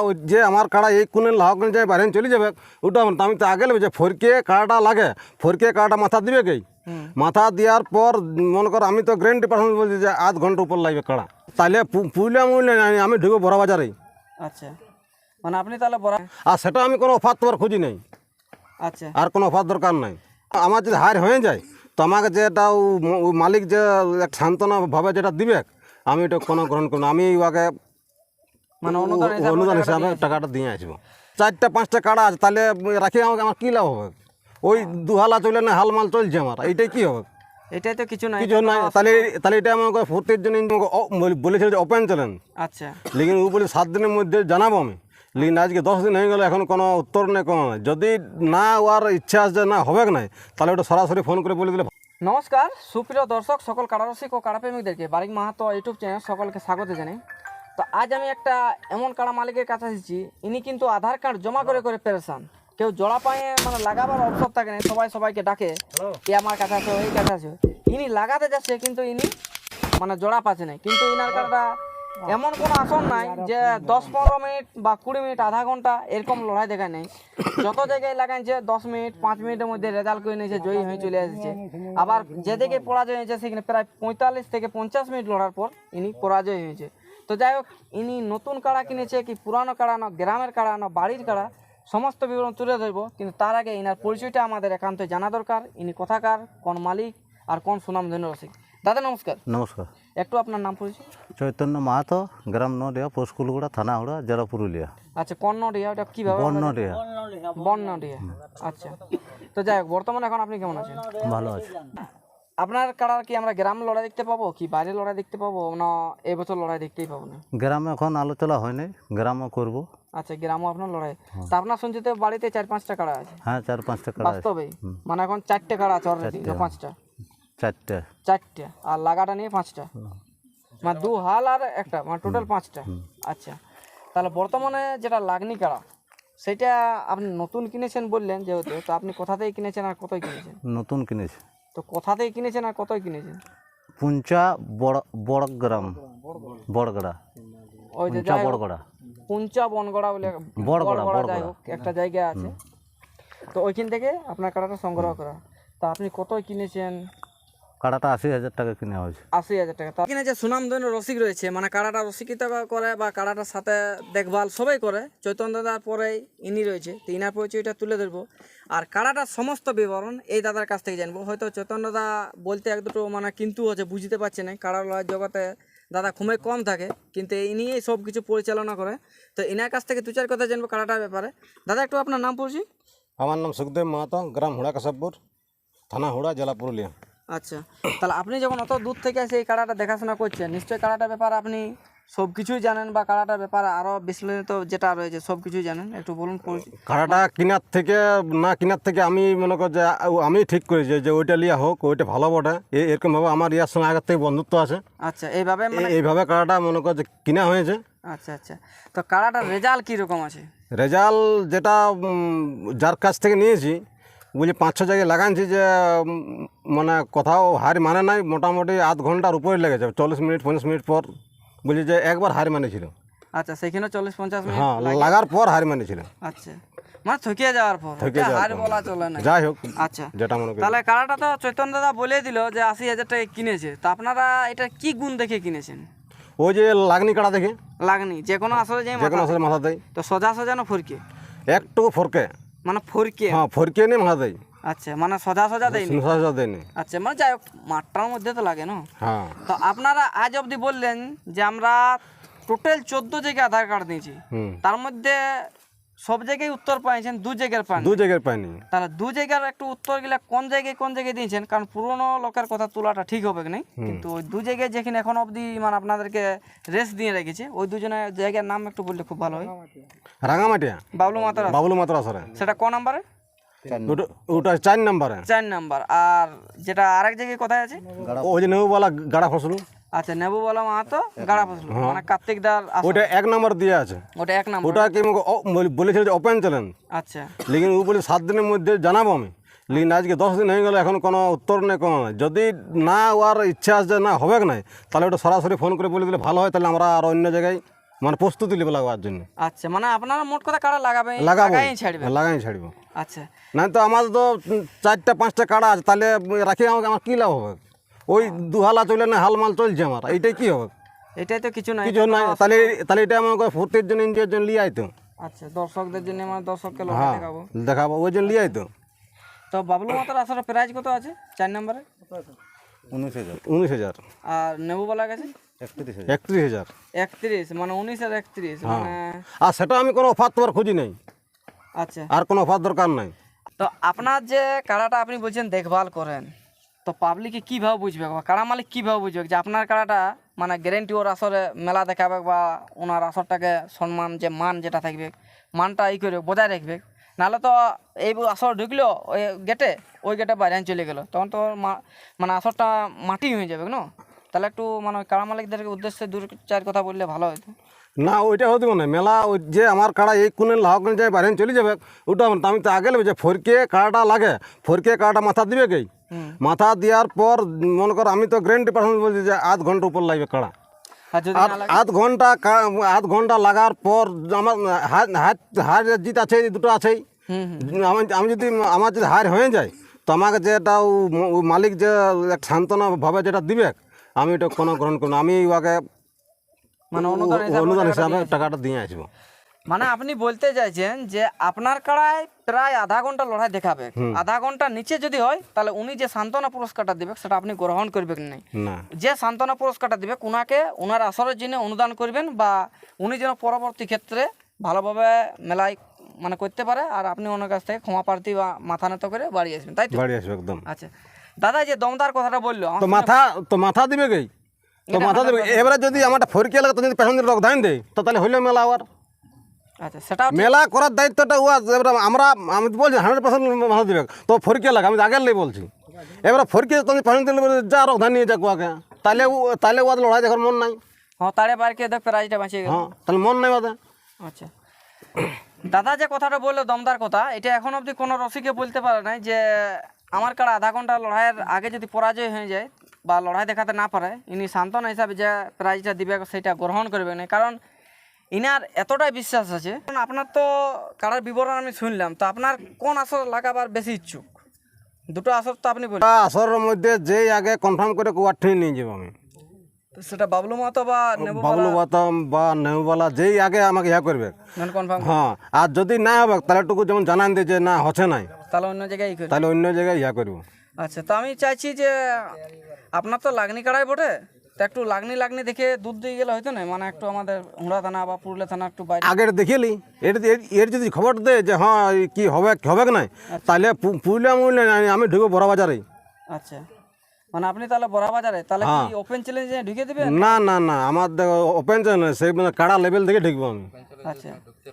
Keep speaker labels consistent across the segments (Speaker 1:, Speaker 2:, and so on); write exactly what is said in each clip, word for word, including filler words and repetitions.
Speaker 1: ওই যে আমার কাড়া এই কোণে লাহকনে যায় বাইরে চলে যাবে ওটা আমার- আমি তো আগে নেবে যে ফরকে কাড়াটা লাগে ফরকে কাড়াটা মাথা দিবে কি মাথা দেওয়ার পর মনে কর আমি তো গ্যারেন্টি পার্সেন্ট বলছি যে আধ ঘন্টা উপর লাগবে কাড়া তাহলে পুইলে মূল্য আমি ঢুকবো বড় বাজারেই।
Speaker 2: আচ্ছা, মানে আপনি তাহলে বড়,
Speaker 1: আর সেটা আমি কোনো অফার তোমার খুঁজি নেই,
Speaker 2: আচ্ছা
Speaker 1: আর কোনো অফার দরকার নাই। আমার যদি হার হয়ে যায় তো আমাকে যেটা ও ম- ও মালিক যে এক সান্ত্বনাভাবে যেটা দিবে আমি এটা কোনো গ্রহণ করব না। আমি ওকে
Speaker 2: মানে অনুদান হিসাবে
Speaker 1: অনুদান
Speaker 2: টাকাটা
Speaker 1: হিসাবে
Speaker 2: দিয়ে আসবেন।
Speaker 1: টাকাটা দিয়ে আসবো। চারটা পাঁচটা কাড়া আছে তাহলে রাখি আমাকে আমার কী লাভ হবে? ওই দুহালা চলে না হাল মাল চলছে আমার, এইটাই কী হবে?
Speaker 2: এটাই তো কিছু নাই,
Speaker 1: কিছু নাই। তাহলে তাহলে এটা আমাকে ফুর্তির জন্য আমাকে অ- বলে- বলেছিল যে ওপেন চলেন,
Speaker 2: আচ্ছা
Speaker 1: লেকিন ও বলে সাত দিনের মধ্যে জানাবো আমি। লেকিন আজকে দশ দিন হয়ে গেল এখন কোনো উত্তর নেই, কোনো নাই। যদি না ওর ইচ্ছা আছে যে না হবে নাই তাহলে ওটা সরাসরি ফোন করে বলে দিলে।
Speaker 2: নমস্কার সুপ্রিয় দর্শক, সকল কাড়ারসিক ও কাড়াপ্রেমিকদেরকে বারিক মাহাতো ইউটিউব চ্যানেল সকলকে স্বাগত জানাই। তো আজ আমি একটা এমন কাড়া মালিকের কাছে এসেছি, ইনি কিন্তু আধার কার্ড জমা করে করে পেরেছান, কেউ জোড়া পায়ে মানে লাগাবার অবসর থাকে না, সবাই সবাইকে ডাকে এ আমার কাছে আছে ওই কাছে আছে, ইনি লাগাতে যাচ্ছে কিন্তু ইনি মানে জোড়া পাচ্ছে না। কিন্তু ইনার কাড়াটা এমন কোনো আসন নাই যে দশ পনেরো মিনিট বা কুড়ি মিনিট আধা ঘন্টা এরকম লড়াই দেখায় নেই। যত জায়গায় লাগাইছে দশ মিনিট পাঁচ মিনিটের মধ্যে রেজাল্ট করে নিয়েছে, জয়ী হয়ে চলে এসেছে। আবার যেদিকে পরাজয় হয়েছে সেখানে প্রায় পঁয়তাল্লিশ থেকে পঞ্চাশ মিনিট লড়ার পর ইনি পরাজয় হয়েছে। তো যাই হোক, ইনি নতুন কাড়া কিনেছে কি পুরানো কাড়া না গ্রামের কাড়া না বাড়ির কাড়া সমস্ত বিবরণ তুলে ধরবো। কিন্তু তার আগে ইনার পরিচয়টা আমাদের একান্তই জানা দরকার। ইনি কোথাকার, কোন মালিক আর কোন সুনামধন্য রসিক। দাদা নমস্কার,
Speaker 3: নমস্কার।
Speaker 2: একটু আপনার নাম পরিচয়।
Speaker 3: চৈতন্য মাহাতো, গ্রাম নডিয়া, পোস্ট কুলগুড়া, থানা হুড়া, জেলা পুরুলিয়া।
Speaker 2: আচ্ছা, কর্ণডিয়া, ওটা কীভাবে?
Speaker 3: বর্ণডিয়া।
Speaker 2: বর্ণডিয়া, আচ্ছা। তো যাই হোক, বর্তমানে এখন আপনি কেমন আছেন?
Speaker 3: ভালো আছে।
Speaker 2: আপনার কাড়ার কি আমরা গ্রাম লড়াই দেখতে পাবো কি বাইরে লড়াই দেখতে পাবো না এই বছর লড়াই দেখতেই পাবো না?
Speaker 3: গ্রামে এখন আলোচনা হয়নি, গ্রামে করব।
Speaker 2: আচ্ছা, গ্রামও আপনার লড়াই। তা আপনার শুনছি তো বাড়িতে চার পাঁচটা কাড়া আছে?
Speaker 3: হ্যাঁ, চার পাঁচটা কাড়া আছে।
Speaker 2: বাস্তবেই মানে এখন চারটে কাড়া আছে অলরেডি না পাঁচটা?
Speaker 3: চারটে।
Speaker 2: চারটে আর লাগাটা নিয়ে পাঁচটা, মানে দু হাল আর একটা, মানে টোটাল পাঁচটা। আচ্ছা, তাহলে বর্তমানে যেটা লাগনি কাড়া সেটা আপনি নতুন কিনেছেন বললেন যেহেতু, তো আপনি কোথাতেই কিনেছেন আর কতই কিনেছেন?
Speaker 3: নতুন কিনেছি
Speaker 2: তো কোথাতেই কিনেছেন আর কতই কিনেছেন?
Speaker 3: পুঞ্চা বড় বড়গ্রাম, বড়গড়া,
Speaker 2: ওই যে
Speaker 3: পুঞ্চা
Speaker 2: যাই হোক,
Speaker 3: বড়গড়া।
Speaker 2: পুঞ্চা বনগড়া বলে
Speaker 3: বড়গড়া,
Speaker 2: বড়গড়া যাই
Speaker 3: বড়গড়া।
Speaker 2: হোক একটা জায়গা আছে, তো ওইখান থেকে আপনার কাড়াটা সংগ্রহ করা। তা আপনি কতই কিনেছেন?
Speaker 3: কাড়াটা আশি হাজার টাকা কিনে হয়েছে।
Speaker 2: আশি হাজার টাকা। তা এখানে যে সুনামধন্য রসিক রয়েছে, মানে কাড়াটা রসিকতা করে বা কাড়াটার সাথে দেখভাল সবাই করে, চৈতন্য দাদার পরেই ইনি রয়েছে। তো ইনার পরিচয়টা তুলে ধরবো আর কাড়াটার সমস্ত বিবরণ এই দাদার কাছ থেকে জানবো। হয়তো চৈতন্য দা বলতে এক দুটো মানে কিন্তু হচ্ছে বুঝতে পারছে না, কাড়া লড়াই জগতে দাদা খুবই কম থাকে, কিন্তু ইনি সব কিছু পরিচালনা করে। তো ইনার কাছ থেকে দু চার কথা জানবো কাড়াটার ব্যাপারে। দাদা একটু আপনার নাম পড়ছি।
Speaker 1: আমার নাম সুখদেব মাহাতো, গ্রাম হুড়া কাশবপুর, থানা হুড়া, জেলা পুরুলিয়া।
Speaker 2: আচ্ছা, তাহলে আপনি যখন অত দূর থেকে এসে এই কাড়াটা দেখাশোনা করছেন, নিশ্চয়ই কাড়াটার ব্যাপারে আপনি সব কিছুই জানেন বা কাড়াটার ব্যাপারে আরও বিশ্লেষিত যেটা রয়েছে সব কিছুই জানেন, একটু বলুন। পরিচয়।
Speaker 1: কাড়াটা কেনার থেকে না কেনার থেকে আমি মনে কর যে আ- আমি ঠিক করেছি যে ওইটা লিয়া হোক, ওইটা ভালো বটে। এ- এরকমভাবে আমার ইয়ার সঙ্গে আগের থেকে বন্ধুত্ব আছে।
Speaker 2: আচ্ছা, এইভাবে মানে
Speaker 1: এ- এইভাবে কাড়াটা মনে কর যে কিনা হয়েছে।
Speaker 2: আচ্ছা আচ্ছা, তো কাড়াটার রেজাল্ট কীরকম আছে?
Speaker 1: রেজাল্ট যেটা উম, যার কাছ থেকে নিয়েছি বুঝলি পাঁচ ছ জায়গায় লাগাইছি যে উম, মানে কোথাও হার মানে নাই, মোটামুটি আধ ঘন্টার উপরে লেগেছে, চল্লিশ মিনিট পঞ্চাশ মিনিট পর বুঝলি যে একবার হার মানেছিল।
Speaker 2: আচ্ছা, সেখানে চল্লিশ পঞ্চাশ মিনিট
Speaker 1: হ্যাঁ, লাগার পর হার মানেছিল।
Speaker 2: আচ্ছা, মানে থকিয়ে যাওয়ার পর
Speaker 1: থকিয়ে
Speaker 2: ওটা
Speaker 1: যাওয়ার
Speaker 2: হার
Speaker 1: পর।
Speaker 2: বলা চলে না।
Speaker 1: যাই হোক,
Speaker 2: আচ্ছা,
Speaker 1: যেটা মনে করি।
Speaker 2: তাহলে কাড়াটা তো চৈতন্য দাদা বলে দিল যে আশি হাজার টাকা কিনেছে, তো আপনারা এটা কি গুণ দেখে কিনেছেন?
Speaker 1: ওই যে লাগনি কাড়া দেখে
Speaker 2: লাগনি যে কোনো আসলে যে
Speaker 1: যে কোনো আসলে মাথা দেয়,
Speaker 2: তো সোজা সোজা না ফরকে?
Speaker 1: একটু ফরকে,
Speaker 2: মানে ফরকে।
Speaker 1: হ্যাঁ ফরকে নিয়ে মাথা দেয়,
Speaker 2: আচ্ছা, মানে সোজা সোজা দেয়নি।
Speaker 1: সোজা দেয়নি।
Speaker 2: আচ্ছা, মানে যাই হোক মাঠটার মধ্যে তো লাগে না।
Speaker 1: হ্যাঁ,
Speaker 2: তো আপনারা আজ অবধি বললেন যে আমরা টোটাল চোদ্দ জায়গায় আধার কার্ড দিয়েছি,
Speaker 1: হুম,
Speaker 2: তার মধ্যে সব জায়গায় উত্তর পাইছেন, দু জায়গার পান।
Speaker 1: দু জায়গায় পাইনি।
Speaker 2: তাহলে দু জায়গার একটু উত্তর গেলে কোন জায়গায় কোন জায়গায় দিয়েছেন? কারণ পুরনো লোকের কথা তোলাটা ঠিক হবে কি নাই, কিন্তু ওই দু জায়গায় যেখানে এখন অবধি মানে আপনাদেরকে রেস্ট দিয়ে রেখেছে ওই দুজনের জায়গার নাম একটু বললে খুব ভালো হয়।
Speaker 1: রাঙামাটিয়া,
Speaker 2: বাবলু মাতার,
Speaker 1: বাবলু মাত্র আসরে,
Speaker 2: সেটা ক নাম্বারে?
Speaker 1: ওটা ওটা চার নম্বরে।
Speaker 2: চার নাম্বার। আর যেটা আরেক জায়গায় কোথায় আছে?
Speaker 1: ওই যে নেউবালা গাড়া ফসল,
Speaker 2: আচ্ছা, নেবু বলা মাহাতো গাড়া ফসল, মানে কার্তিক দার আসর।
Speaker 1: ওটা এক নম্বর দিয়ে আছে।
Speaker 2: ওটা এক নাম্বার।
Speaker 1: ওটা কি আমাকে ও- বলে- বলেছিল যে ওপেন চলেন,
Speaker 2: আচ্ছা
Speaker 1: লেকিন ও বলে সাত দিনের মধ্যে জানাবো আমি। লেকিন আজকে দশ দিন হয়ে গেল এখন কোনো উত্তর নেই, কোনো নাই। যদি না ওর ইচ্ছা আছে যে না হবে নাই তাহলে ওটা সরাসরি ফোন করে বলে দিলে ভালো হয়, তাহলে আমরা আর অন্য জায়গায় মানে প্রস্তুতি লেবে লাগাবার জন্য
Speaker 2: আচ্ছা, মানে আপনারা মোট কথা কাড়া লাগাবেন,
Speaker 1: লাগাবো
Speaker 2: লাগাই ছাড়বেন।
Speaker 1: লাগাই ছাড়বো।
Speaker 2: আচ্ছা,
Speaker 1: না তো আমার তো উম, চারটা পাঁচটা কাড়া আছে, তাহলে রাখি আমাকে আমার কী লাভ হবে? ওই দুহালা চলে না হাল মাল চলছে আমার, এইটাই কি হবে?
Speaker 2: এটাই তো কিছু নাই।
Speaker 1: কিছু নাই, তাহলে তাহলে এটা আমাকে ফুর্তির জন্য এনজয়ের জন্য লিয়ে আইতো।
Speaker 2: আচ্ছা, দর্শকদের জন্য মানে দর্শককে লড়াই
Speaker 1: হ্যাঁ
Speaker 2: দেখাবো।
Speaker 1: দেখাবো, ওই জন্য লিয়ে আইতো।
Speaker 2: তো বাবলু মাতার আসলে প্রাইজ কত আছে চার নম্বরে?
Speaker 3: উনিশ হাজার
Speaker 1: উনিশ হাজার
Speaker 2: আর নেবু বলা গেছে
Speaker 3: একত্রিশ হাজার
Speaker 1: একত্রিশ হাজার
Speaker 2: একত্রিশ, মানে উনিশ আর একত্রিশ মানে।
Speaker 1: আর সেটা আমি কোনো অফার তোমার খুঁজি নাই,
Speaker 2: আচ্ছা,
Speaker 1: আর কোনো অফার দরকার নাই।
Speaker 2: তো আপনার যে কাড়াটা আপনি বলছেন দেখভাল করেন, তো পাবলিকে কীভাবে বুঝবে বা কাড়া মালিক কীভাবে বুঝবে যে আপনার কাড়াটা মানে গ্যারেন্টি ওর আসরে মেলা দেখাবে বা ওনার আসরটাকে সম্মান যে মান যেটা থাকবে মানটা এই করে বজায় রাখবে? নাহলে তো এই আসর ঢুকলো ওই গেটে, ওই গেটে বাইরে চলে গেলো, তখন তো ওর মা- মানে আসরটা মাটি হয়ে যাবে না? তাহলে একটু মানে কাড়া মালিকদের উদ্দেশ্যে দু চার কথা বললে ভালো হতো।
Speaker 1: না ওইটা হতে না মেলা, ওই যে আমার কাড়া এই কোণে লাহকনে যায় বাইরে চলে যাবে ওটা আমার- আমি তো আগে নেবে যে ফরকে কাড়াটা লাগে, ফরকে কাড়াটা মাথা দিবে কি, মাথা দেওয়ার পর মনে কর আমি তো গ্যারেন্টি পার্সেন্ট বলছি যে আধ ঘন্টা উপর লাগবে কাড়া।
Speaker 2: আর যদি
Speaker 1: আর
Speaker 2: না লাগে?
Speaker 1: আধ ঘন্টা কা- আধ ঘন্টা লাগার পর আমার হাত হাত হার জিত আছে, এই দুটো আছেই।
Speaker 2: হুম হুম
Speaker 1: আমি আমি যদি আমার যদি হার হয়ে যায় তো আমাকে যেটা ও ম- ও মালিক যে এক সান্ত্বনা ভাবে যেটা দিবে, আমি এটা কোনো গ্রহণ করবো না। আমি ওকে
Speaker 2: মানে অনুদান হিসাবে
Speaker 1: অনুদান
Speaker 2: টাকাটা
Speaker 1: হিসাবে
Speaker 2: দিয়ে আসবে।
Speaker 1: টাকাটা দিয়ে আসবো।
Speaker 2: মানে আপনি বলতে চাইছেন যে আপনার কাড়ায় প্রায় আধা ঘন্টা লড়াই দেখাবে, আধা ঘন্টা নিচে যদি হয় তাহলে উনি যে সান্ত্বনা পুরস্কারটা দিবে সেটা আপনি গ্রহণ করবেন না।
Speaker 1: না
Speaker 2: যে সান্ত্বনা পুরস্কারটা দিবে ওনাকে ওনার আসরের জন্য অনুদান করবেন, বা উনি যেন পরবর্তী ক্ষেত্রে ভালোভাবে মেলায় মানে করতে পারে, আর আপনি ওনার কাছ থেকে ক্ষমা প্রার্থী বা মাথা নত করে বাড়ি আসবেন, তাই তো?
Speaker 1: বাড়ি আসবে একদম।
Speaker 2: আচ্ছা দাদা, যে দমদার কথাটা বললো আমার
Speaker 1: তো
Speaker 2: শুনে-
Speaker 1: মাথা তো মাথা দিবে কি, তো মাথা দেবে। এবারে যদি আমারটা ফরকে লাগে তো যদি পেছন দিকে রক্ত দেয় তো তাহলে হইলো মেলা আবার।
Speaker 2: আচ্ছা, সেটাও ঠিক।
Speaker 1: মেলা করার দায়িত্বটা ও আছে। এবারে আমরা আমি তো বলছি হান্ড্রেড পার্সেন্ট মাথা দিবে, তো ফরকে লাগে আমি তো আগের লাই বলছি। এবারে ফরকে তুমি পেছন দিলে বলে যা রক্ত নিয়ে যাক ওকে, তাহলে ও তাহলে ও লড়াই দেখার মন নাই।
Speaker 2: হ্যাঁ, তারে বারকে দেখ প্রাইজটা বাঁচিয়ে গেল।
Speaker 1: হ্যাঁ তাহলে মন নাই ওদের।
Speaker 2: আচ্ছা দাদা, যে কথাটা বললো দমদার কথা, এটা এখন অবধি কোনো রসিকে বলতে পারে নাই যে আমার কাড়া আধা ঘন্টা লড়াইয়ের আগে যদি পরাজয় হয়ে যায় বা লড়াই দেখাতে না পারে, ইনি সান্ত্বনা হিসাবে যে প্রাইজটা দিবে সেটা গ্রহণ করবে না, কারণ ইনার এতটাই বিশ্বাস আছে। কারণ আপনার তো কাড়ার বিবরণ আমি শুনলাম, তো আপনার কোন আসর লাগাবার বেশি ইচ্ছুক? দুটো আসর তো আপনি বললেন,
Speaker 1: আসরের মধ্যে যেই আগে কনফার্ম করে কুয়ার ঠিক নিয়ে যাবো আমি,
Speaker 2: তো সেটা বাবলু মাহাতো বা নেবু
Speaker 1: বাবলু বাতাম বা নেউবালা যেই আগে আমাকে ইয়া করবে।
Speaker 2: নন কনফার্ম,
Speaker 1: হ্যাঁ আর যদি না হবে তাহলে টুকু যেমন জানান দিয়ে যে না হচ্ছে নাই,
Speaker 2: তাহলে অন্য জায়গায় ই করবে।
Speaker 1: তাহলে অন্য জায়গায় ইয়া করবো।
Speaker 2: আচ্ছা, তো আমি চাইছি যে আপনার তো লাগনি কাড়াই বটে, তো একটু লাগনি লাগনি দেখে দুধ দিয়ে গেলে হয়তো না, মানে একটু আমাদের হুড়া থানা বা পুরুলিয়া থানা একটু বাইরে।
Speaker 1: আগের দেখিলি এর এর- এর যদি খবর দেয় যে হ্যাঁ এই কি হবে কি হবে কি নাই, তাহলে পু- পুরুলিয়া মুরলিয়া নাই, আমি ঢুকবো বড় বাজারে।
Speaker 2: আচ্ছা, মানে আপনি তাহলে বড়া বাজারে তাহলে কি ওপেন চ্যালেঞ্জে ঢুকে দিবেন?
Speaker 1: না না না আমার ওপেন চ্যানেল সেই মানে কাড়া লেভেল থেকে ঢুকবো আমি,
Speaker 2: আচ্ছা,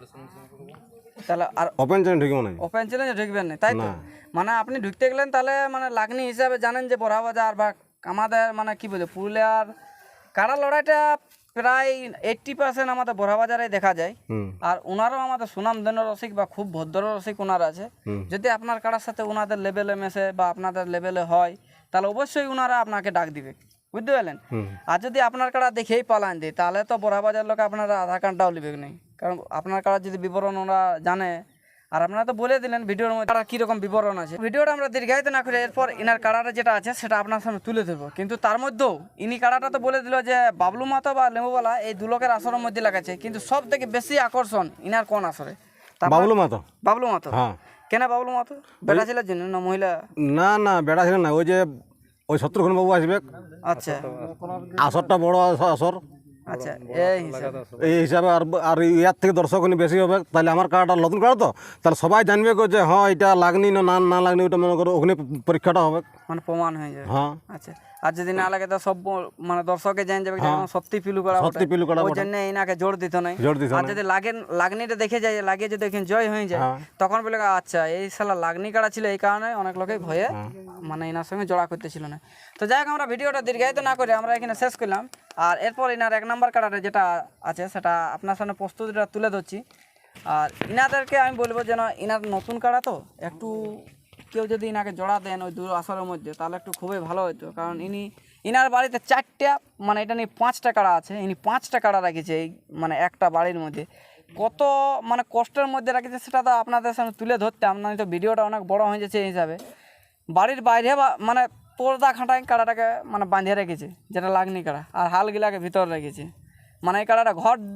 Speaker 2: তাহলে আর
Speaker 1: ওপেন চ্যানেল ঢুকবো না।
Speaker 2: ওপেন চ্যালেঞ্জে ঢুকবেন না, তাই তো? মানে আপনি ঢুকতে গেলেন তাহলে মানে লাগনি হিসাবে জানেন যে বড়া বাজার বা আমাদের মানে কি বলে পুরুলিয়ার কাড়া লড়াইটা প্রায় এইট্টি পার্সেন্ট আমাদের বড়া বাজারে দেখা যায়।
Speaker 1: হুম
Speaker 2: আর ওনারও আমাদের সুনামধন্য রসিক বা খুব ভদ্র রসিক ওনার আছে। যদি আপনার কাড়ার সাথে ওনাদের লেভেলে মেশে বা আপনাদের লেভেলে হয় তাহলে অবশ্যই ওনারা আপনাকে ডাক দিবে, বুঝতে পারলেন? আর যদি আপনার কাড়া দেখেই পালান দেয় তাহলে তো বড়া বাজার লোক আপনারা আধার কার্ডটাও লিবে নেই, কারণ আপনার কাড়ার যদি বিবরণ ওরা জানে। আর আপনারা তো বলে দিলেন ভিডিওর মধ্যে কাড়ার কীরকম বিবরণ আছে। ভিডিওটা আমরা দীর্ঘায়িত না করে এরপর ইনার কাড়াটা যেটা আছে সেটা আপনার সামনে তুলে ধরবো, কিন্তু তার মধ্যেও ইনি কাড়াটা তো বলে দিল যে বাবলু মাতো বা লেবুবালা এই দু লোকের আসরের মধ্যে লাগাচ্ছে, কিন্তু সব থেকে বেশি আকর্ষণ ইনার কোন আসরে? তা
Speaker 1: বাবলু মাতো।
Speaker 2: বাবলু মাতো,
Speaker 1: হ্যাঁ
Speaker 2: কেন বাবলু মাতো? বেটা ছেলের জন্য না মহিলা?
Speaker 1: না না বেড়া ছিল না, ওই যে ওই শত্রুঘ্ন বাবু আসবে,
Speaker 2: আচ্ছা
Speaker 1: আসরটা বড় আস- আসর
Speaker 2: আচ্ছা, এই হিসাবে।
Speaker 1: এই হিসাবে। আর আর ইয়ার থেকে দর্শক বেশি হবে, তাহলে আমার কার্ডটা নতুন কার্ড তো, তাহলে সবাই জানবে গো যে হ্যাঁ এটা লাগনি না না না লাগনি, ওটা মনে করো ওখানে পরীক্ষাটা হবে।
Speaker 2: মানে প্রমাণ হয়ে যাবে।
Speaker 1: হ্যাঁ
Speaker 2: আচ্ছা, আর যদি না লাগে তো সব ব- মানে দর্শকে জেনে যাবে যে এখন সত্যি পিলু করা
Speaker 1: সত্যি পিলু করা
Speaker 2: ওই
Speaker 1: বটে।
Speaker 2: জন্য ইনাকে জোর দিত নাই।
Speaker 1: জোর দিত
Speaker 2: আর
Speaker 1: নাই।
Speaker 2: যদি লাগে লাগনিটা দেখে যায়, লাগিয়ে যদি এখানে জয় হয়ে যায়
Speaker 1: হ্যাঁ।
Speaker 2: তখন বলে আচ্ছা এই শালা লাগনি কাড়া ছিল, এই কারণে অনেক লোকে ভয়ে মানে ইনার সঙ্গে জোড়া করতেছিল না। তো যাই হোক, আমরা ভিডিওটা দীর্ঘায়িত না করে আমরা এখানে শেষ করলাম। আর এরপর ইনার এক নাম্বার কাড়াটা যেটা আছে সেটা আপনার সামনে প্রস্তুতিটা তুলে ধরছি। আর ইনাদেরকে আমি বলবো যেন ইনার নতুন কাড়া তো একটু কেউ যদি ইনাকে জোড়া দেন ওই দু আসরের মধ্যে তাহলে একটু খুবই ভালো হতো, কারণ ইনি ইনার বাড়িতে চারটা মানে এটা নিয়ে পাঁচটা কাড়া আছে, ইনি পাঁচটা কাড়া রেখেছে এই মানে একটা বাড়ির মধ্যে। কত মানে কষ্টের মধ্যে রেখেছে সেটা তো আপনাদের সামনে তুলে ধরতাম না, তো ভিডিওটা অনেক বড় হয়ে যাচ্ছে এই হিসাবে। বাড়ির বাইরে বা মানে পর্দা খাটাই কাড়াটাকে মানে বাঁধিয়ে রেখেছে, যেটা লাগনি কাড়া, আর হালগিলাকে ভিতর রেখেছে। মানে এই কাড়াটা ঘর